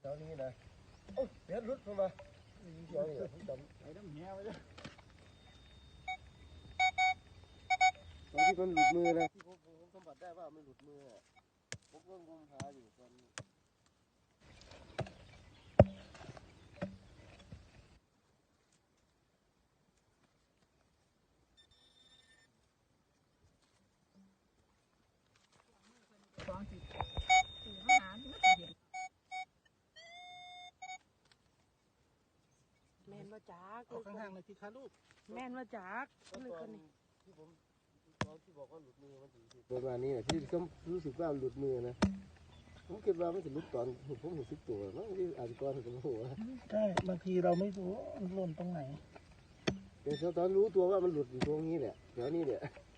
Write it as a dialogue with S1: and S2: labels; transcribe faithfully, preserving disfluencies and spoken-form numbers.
S1: แถวนี้นะโอ้ยเดี๋ยวรุดเข้ามาเดี๋ยวนี่ผมจำไอ้น้ำแง่ไว้เลยตอนที่มันหลุดมือนะที่ผมผมสัมผัสได้ว่ามันหลุดมือผมก็งมหาอยู่ตอนนี้
S2: สองสิบสี่ห้าหาไม่เห็นแม่นว่าจักเอาข้างๆเลยที่ขาลูกแม่นว่าจักเลยคนนี้
S1: ที่ผมตอนที่บอกว่าหลุดมือมันถึงประมาณนี้นะที่ก็รู้สึกว่าหลุดมือนะผมคิดว่ามันจะหลุดตอนผมเห็นสิบตัวมั้งที่อาจจะก่อนถึงหัว
S3: ใช่บางทีเราไม่รู้มันหล่นตรงไหน
S1: แต่ตอนรู้ตัวว่ามันหลุดอยู่ตรงนี้แหละเดี๋ยวนี้เนี่ย